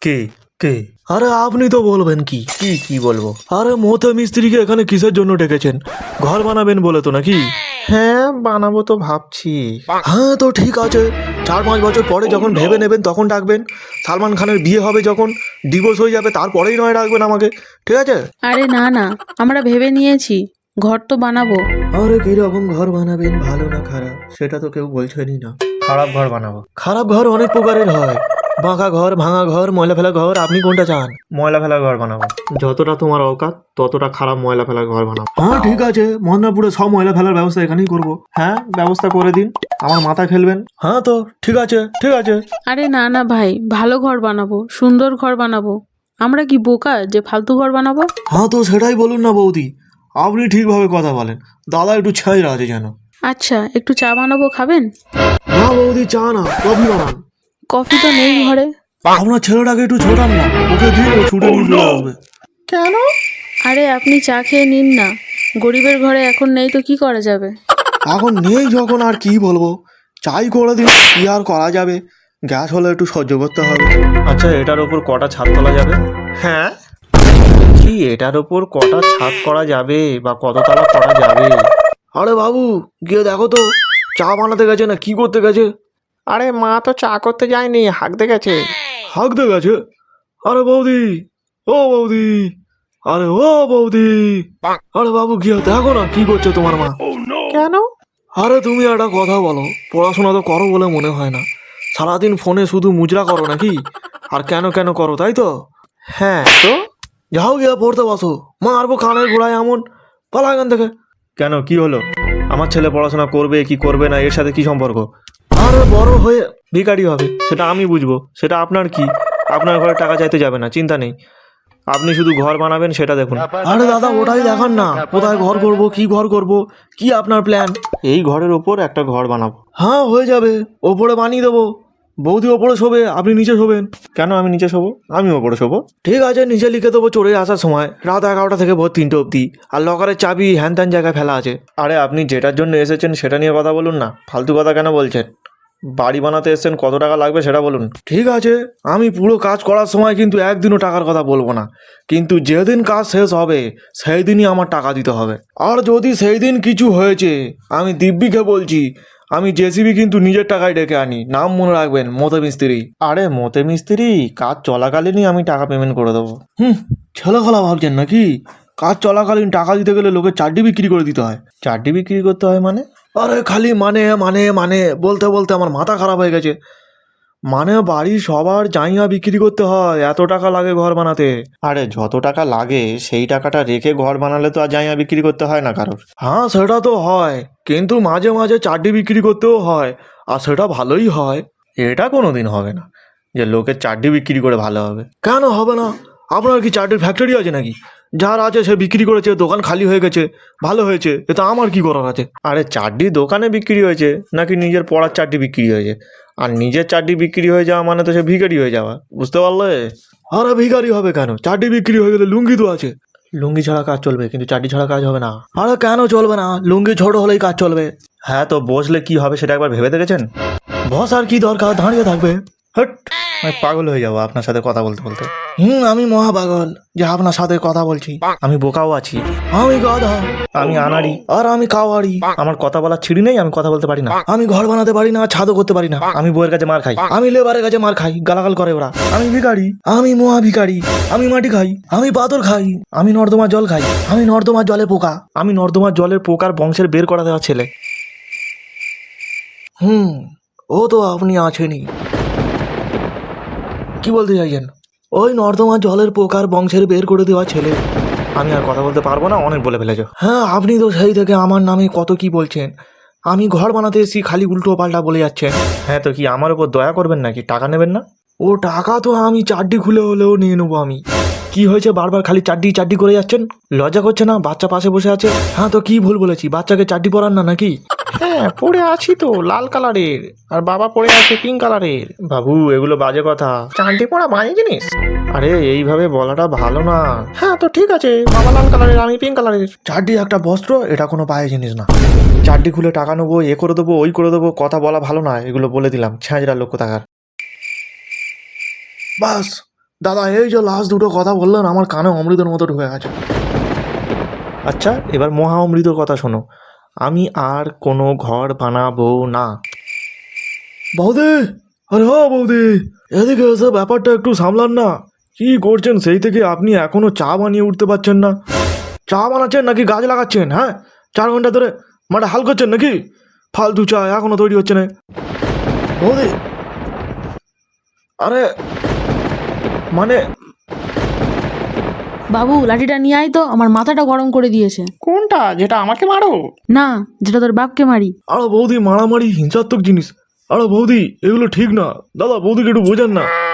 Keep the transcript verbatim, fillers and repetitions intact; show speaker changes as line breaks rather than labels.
কে কে?
আরে আপনি তো বলবেন কি
কি কি বলবো?
আরে মতে মিস্ত্রিকে এখানে কিসের জন্য ডেকেছেন? ঘর বানাবেন বলে তো নাকি?
হ্যাঁ বানাবো তো ভাবছি।
হ্যাঁ তো ঠিক আছে, চার পাঁচ বছর পরে যখন ভেবে নেবেন তখন ডাকবেন। সালমান খানের বিয়ে হবে যখন, ডিভোর্স হয়ে যাবে, তারপরেই নয় ডাকবেন আমাকে, ঠিক আছে?
আরে না না, আমরা ভেবে নিয়েছি, ঘর তো বানাবো।
আরে কিরকম ঘর বানাবেন, ভালো না খারাপ সেটা তো কেউ বলছেনই না।
খারাপ ঘর বানাবো।
খারাপ ঘর অনেক প্রকারের হয়, বাঁকা ঘর, ভাঙা ঘর, ময়লা ফেলা ঘর। আপনি কোনটা চান?
ময়লা ফেলা ঘর বানাবো।
যতটা তোমার অকাত ততটা খারাপ ময়লা ফেলার ঘর বানাবো। হ্যাঁ ঠিক আছে, মদনাপুরে সব ময়লা ফেলার ব্যবস্থা এখানেই করবো। হ্যাঁ ব্যবস্থা করে দিন, আমার মাথা খেলবেন। হ্যাঁ তো ঠিক আছে ঠিক আছে।
আরে না না ভাই, ভালো ঘর বানাবো, সুন্দর ঘর বানাবো। আমরা কি বোকা যে ফালতু ঘর বানাবো?
হ্যাঁ তো সেটাই বলুন না বৌদি, আপনি ঠিকভাবে কথা বলেন, দাদা একটু ছাইরা আছে যেন।
আচ্ছা, একটু চা বানাবো, খাবেন?
না বৌদি, চা না, কফি বানান।
কফি তো নেই ঘরে।
আপনার ছেলেটাকে একটু ছোটান না, ওকে দিন, ও ছুটে নিয়ে চলে আসবে।
কেন? আরে আপনি চা খেয়ে নিন না, গরিবের ঘরে এখন নেই তো কি করা যাবে?
এখন নেই যখন আর কি বলবো, চাই করে দিন, কি আর করা যাবে, গ্যাস হলে একটু সহ্য করতে হবে।
আচ্ছা এটার ওপর কটা ছাদ তোলা যাবে? হ্যাঁ কি এটার ওপর কটা ছাদ করা যাবে বা কততলা করা যাবে?
আরে বাবু, গিয়ে দেখো তো, চা বানাতে গেছে না কি করতে গেছে?
আরে মা তো চা করতে যায়নি, হাঁকতে গেছে।
হাঁকতে গেছে? আরে বৌদি, ও বৌদি, আরে ও বৌদি, আরে বাবু গিয়ে দেখো না কি করছে তোমার মা।
কেন?
আরে তুমি একটা কথা বলো, পড়াশোনা তো করো বলে মনে হয় না, সারাদিন ফোনে শুধু মুজরা করো নাকি? আর কেন কেন করো, তাই তো?
হ্যাঁ তো
যাও গিয়ে পড়তে বসো, মারবো কানের গোড়ায় এমন, পালা এখান থেকে।
কেন কি হলো? আমার ছেলে পড়াশোনা করবে কি করবে না এর সাথে কি সম্পর্ক?
আরে বড় হয়ে
ভিখারি হবে সেটা আমি বুঝবো, সেটা আপনার কি? আপনার ঘরে টাকা চাইতে যাবে না, চিন্তা নেই, আপনি শুধু ঘর বানাবেন সেটা দেখুন।
আরে দাদা ওটাই দেখান না, কোথায় ঘর করব, কি ঘর করব, কি আপনার প্ল্যান?
এই ঘরের ওপর একটা ঘর বানাবো।
হ্যাঁ হয়ে যাবে, ওপরে বানিয়ে দেবো, বৌদি ওপরে শোবে, আপনি নিচে শোবেন।
কেন আমি নিচে শোবো? আমি ওপরে শোবো।
ঠিক আছে, নিচে লিখে দেবো চড়ে আসার সময় রাত এগারোটা থেকে ভোর তিনটে অবধি, আর লকারের চাবি হ্যান ত্যান জায়গায় ফেলা আছে।
আরে আপনি যেটার জন্য এসেছেন সেটা নিয়ে কথা বলুন না, ফালতু কথা কেন বলছেন? বাড়ি বানাতে এসেছেন, কত টাকা লাগবে সেটা বলুন।
ঠিক আছে, আমি পুরো কাজ করার সময় কিন্তু একদিনও টাকার কথা বলবো না, কিন্তু যেদিন কাজ শেষ হবে সেই দিনই আমার টাকা দিতে হবে। আর যদি সেই দিন কিছু হয়েছে, আমি দিব্যিকে বলছি, আমি জেসিবি কিন্তু নিজের টাকায় ডেকে আনি, নাম মনে রাখবেন, মতে মিস্ত্রি।
আরে মতে মিস্ত্রি, কাজ চলাকালীনই আমি টাকা পেমেন্ট করে দেবো।
হুম, ছেলে খেলা ভাবছেন নাকি? কাজ চলাকালীন টাকা দিতে গেলে লোকের চারটি বিক্রি করে দিতে হয়।
চারটি বিক্রি করতে হয় মানে?
আরে খালি মানে মানে মানে বলতে বলতে আমার মাথা খারাপ হয়ে গেছে। মানে বাড়ির সবার জায়গা বিক্রি করতে হয়, এত টাকা লাগে ঘর বানাতে।
আরে যত টাকা লাগে সেই টাকাটা রেখে ঘর বানালে তো আর জায়গা বিক্রি করতে হয় না কারোর।
হ্যাঁ সেটা তো হয়, কিন্তু মাঝে মাঝে চারটি বিক্রি করতেও হয়, আর সেটা ভালোই হয়।
এটা কোনো দিন হবে না যে লোকের চারটি বিক্রি করে ভালো হবে।
কেন হবে না? আপনার কি চারটির ফ্যাক্টরি আছে নাকি? যার আছে সে বিক্রি করেছে, দোকান খালি হয়ে গেছে, ভালো হয়েছে, এটা আমার কি করার আছে?
আরে চারটি দোকানে বিক্রি হয়েছে নাকি নিজের পড়ার চারটি বিক্রি হয়েছে? আর নিজের চারটি বিক্রি হয়ে যাওয়া মানে তো সে ভিখারি হয়ে যাওয়া, বুঝতে পারলে?
আরে ভিখারি হবে কেন? চারটি বিক্রি হয়ে গেলে লুঙ্গি তো আছে।
লুঙ্গি ছাড়া কাজ চলবে কিন্তু চারটি ছাড়া কাজ হবে না।
আরে কেন চলবে না? লুঙ্গি ছোট হলেই কাজ চলবে।
হ্যাঁ তো বসলে কি হবে সেটা একবার ভেবে দেখেছেন?
বস আর কি দরকার, দাঁড়িয়ে থাকবে।
হট, আমি পাগল হয়ে যাবো আপনার সাথে কথা বলতে বলতে।
হুম, আমি মহা পাগল যে আপনার সাথে কথা বলছি।
আমি বোকাও আছি,
আমি গাধা,
আমি আনাড়ি,
আর আমি কাওয়াড়ি।
আমার কথা বলার ছিঁড়ি নেই, আমি কথা বলতে পারি না।
আমি ঘর বানাতে পারি না, ছাদও করতে পারি না।
আমি বইয়ের কাছে মার খাই,
আমি লেবারের কাছে মার খাই, গালাগাল করে ওরা।
আমি ভিখারি,
আমি মহা ভিখারি। আমি মাটি খাই, আমি পাথর খাই, আমি নর্দমার জল খাই, আমি নর্দমার জলে পোকা।
আমি নর্দমার জলের পোকার বংশের বের করা দেওয়া ছেলে।
হুম, ও তো আপনি আছেনই। কি বলতে চাইছেন? ওই নর্দমার জলের পোকার বংশের বের করে দেওয়া ছেলে।
আমি আর কথা বলতে পারবো না, অনেক বলে ফেলেছো।
হ্যাঁ, আপনি তো সেই থেকে আমার নামে কত কি বলছেন। আমি ঘর বানাতে এসেছি, খালি উল্টো পাল্টা বলে যাচ্ছেন।
হ্যাঁ তো কি আমার উপর দয়া করবেন নাকি? টাকা নেবেন না?
ও টাকা তো আমি চারটি খুলে হলেও নিয়ে নেবো আমি। কি হয়েছে বারবার খালি চারটি চারটি করে যাচ্ছেন? লজ্জা করছে না? বাচ্চা পাশে বসে আছে। হ্যাঁ তো কি ভুল বলেছি? বাচ্চাকে চারটি পরান না নাকি?
হ্যাঁ পড়ে আছি তো লাল কালারের, আর বাবা পড়ে আছে পিঙ্ক কালারের। বাবু এগুলো বাজে কথা, চারটি পড়া বাজে জিনিস। আরে এইভাবে বলাটা ভালো না। হ্যাঁ তো ঠিক আছে, বাবা লাল কালারের আমি পিঙ্ক কালারের।
চারটি একটা বস্ত্র, এটা কোনো পায়ে জিনিস না।
চারটি খুলে টাকা নেবো, এ করে দেবো ওই করে দেবো, কথা বলা ভালো না, এগুলো বলে দিলাম, ছেঁচড়া লোক থাকার।
বাস, দাদা এই যে লাস্ট দুটো কথা বললেন আমার কানে অমৃতের মতো ঢুকে গেছে।
আচ্ছা এবার মহা অমৃতর কথা শোনো, আমি আর কোনো ঘর বানাবো না।
বৌদি, আরে হ বৌদি, এদিকে এসে ব্যাপারটা একটু সামলান না। কি করছেন সেই থেকে আপনি এখনো চা বানিয়ে উঠতে পারছেন না? চা বানাচ্ছেন নাকি গাছ লাগাচ্ছেন? হ্যাঁ, চার ঘন্টা ধরে মাঠে হাল করছেন নাকি? ফালতু চা এখনো তৈরি হচ্ছে না। বৌদি, আরে মানে
বাবু লাঠিটা নিয়ে আয় তো, আমার মাথাটা গরম করে দিয়েছে।
কোনটা, যেটা আমাকে মারো?
না, যেটা তোর বাপকে মারি।
আরে বৌদি, মারামারি হিংসাত্মক জিনিস। আরে বৌদি, এগুলো ঠিক না। দাদা বৌদিকে একটু বোঝান না।